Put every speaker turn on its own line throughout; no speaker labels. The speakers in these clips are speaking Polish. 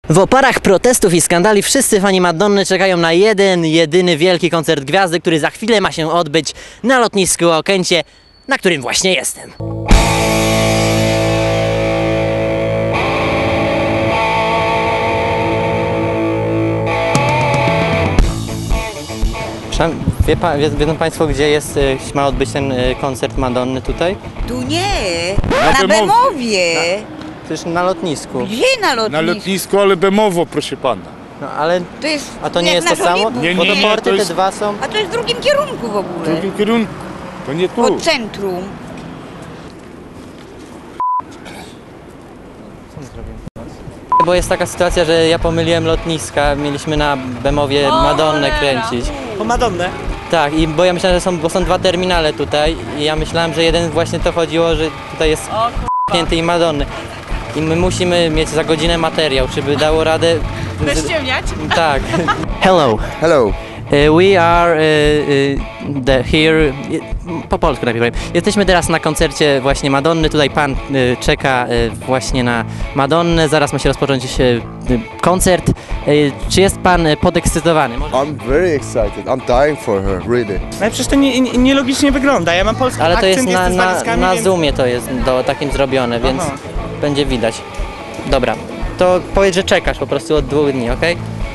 W oparach protestów i skandali wszyscy fani Madonny czekają na jedyny wielki koncert gwiazdy, który za chwilę ma się odbyć na lotnisku Okęcie, na którym właśnie jestem. Wiedzą Państwo, gdzie ma odbyć ten koncert Madonny tutaj?
Tu nie, na Bemowie.
Przecież na lotnisku.
Gdzie na lotnisku?
Na lotnisku, ale Bemowo, proszę pana.
No ale...
To jest,
a to nie
jak
jest to samo?
Nie,
Bo to
nie,
porty
to jest...
te dwa są...
A to jest w drugim kierunku w ogóle.
W drugim kierunku. To nie tu.
Od centrum.
Bo jest taka sytuacja, że ja pomyliłem lotniska, mieliśmy na Bemowie Madonnę kręcić.
Po Madonnę?
Tak, bo ja myślałem, że bo są dwa terminale tutaj i ja myślałem, że jeden właśnie to chodziło, że tutaj jest p***nięty i Madonny. I my musimy mieć za godzinę materiał, czy by dało radę...
Bez ciemniać?
Tak. Hello.
Hello.
We are here, po polsku najpierw powiem. Jesteśmy teraz na koncercie właśnie Madonny, tutaj pan czeka właśnie na Madonnę, zaraz ma się rozpocząć koncert. Czy jest pan podekscytowany?
I'm very excited. I'm dying for her, really.
Ale przecież to nielogicznie wygląda, ja mam polski
Ale to
akcent,
jest
jestem z walizkami,
na
więc...
Zoomie to jest takim zrobione, więc
Aha.
będzie widać. Dobra, to powiedz, że czekasz po prostu od 2 dni, ok?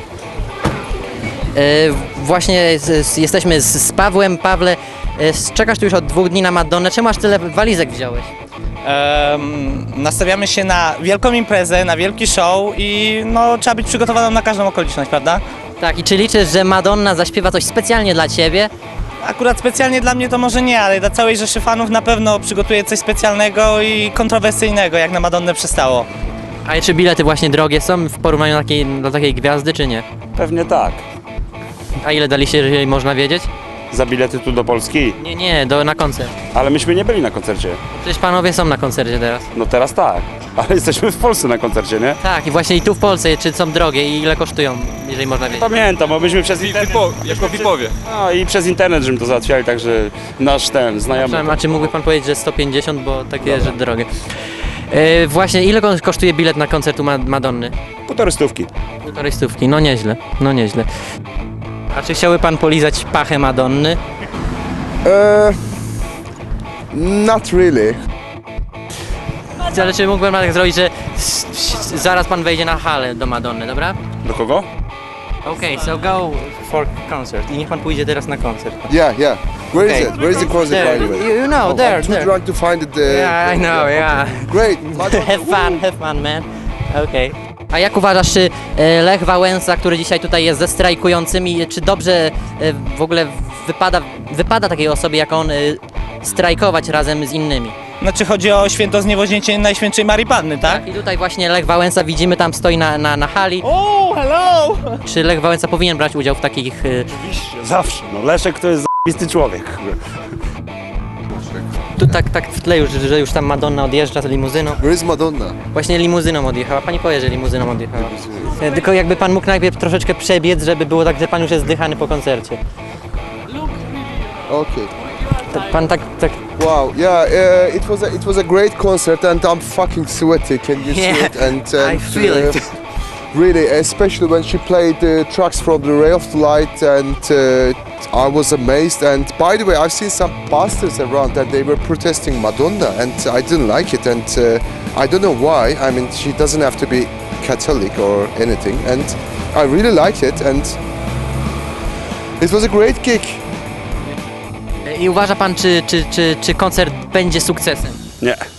Właśnie jesteśmy z Pawłem. Pawle, czekasz tu już od 2 dni na Madonnę. Czemu aż tyle walizek wziąłeś?
Nastawiamy się na wielką imprezę, na wielki show i no, trzeba być przygotowaną na każdą okoliczność, prawda?
Tak, i czy liczysz, że Madonna zaśpiewa coś specjalnie dla ciebie?
Akurat specjalnie dla mnie to może nie, ale dla całej rzeszy fanów na pewno przygotuje coś specjalnego i kontrowersyjnego, jak na Madonnę przystało.
A czy bilety właśnie drogie są w porównaniu do takiej gwiazdy, czy nie?
Pewnie tak.
A ile daliście, jeżeli można wiedzieć?
Za bilety tu do Polski?
Nie, na koncert.
Ale myśmy nie byli na koncercie.
Przecież panowie są na koncercie teraz.
No teraz tak. Ale jesteśmy w Polsce na koncercie, nie?
Tak, i właśnie i tu w Polsce, czy są drogie i ile kosztują, jeżeli można wiedzieć?
Pamiętam, bo myśmy przez internet...
Jako VIP-owie.
No i przez internet, żeśmy to załatwiali, także nasz znajomy...
A czy mógłby pan powiedzieć, że 150, bo takie, że drogie. Właśnie, ile kosztuje bilet na koncert u Madonny?
1,5 stówki.
1,5 stówki, no nieźle, no nieźle. A czy chciałby pan polizać pachę Madonny?
Not really.
Ale czy mógłby pan tak zrobić, że zaraz pan wejdzie na halę do Madonny, dobra?
Do kogo?
Okay, so go for concert. I niech pan pójdzie teraz na koncert.
Yeah. Where is
Okay.
it? Where is the concert,
There,
by the way?
you know,
I'm
there.
too drunk to find it.
Yeah, I know, yeah.
Great.
Have fun, man. Okay. A jak uważasz, czy Lech Wałęsa, który dzisiaj tutaj jest ze strajkującymi, czy dobrze w ogóle wypada takiej osobie jak on strajkować razem z innymi?
Znaczy chodzi o święto zniewoźnięcie Najświętszej Marii Panny, tak?
I tutaj właśnie Lech Wałęsa, widzimy, tam stoi na hali.
Oh, hello!
Czy Lech Wałęsa powinien brać udział w takich...
Oczywiście, zawsze. No Leszek to jest zajebisty człowiek.
Tu tak w tle już, że już tam Madonna odjeżdża z limuzyną.
Where is Madonna?
Właśnie limuzyną odjechała. Pani powie, że limuzyną odjechała. Tylko jakby pan mógł najpierw troszeczkę przebiec, żeby było tak, że pan już jest zdychany po koncercie.
Okay.
Pan tak...
Wow. Yeah. It was a great concert, and I'm fucking sweaty. Can you see it? And
I feel it.
Really, especially when she played the tracks from the Ray of Light, and I was amazed. And by the way, I've seen some pastors around that they were protesting Madonna, and I didn't like it. And I don't know why. I mean, she doesn't have to be Catholic or anything. And I really liked it, and it was a great gig.
I uważa pan, czy koncert będzie sukcesem?
Nie.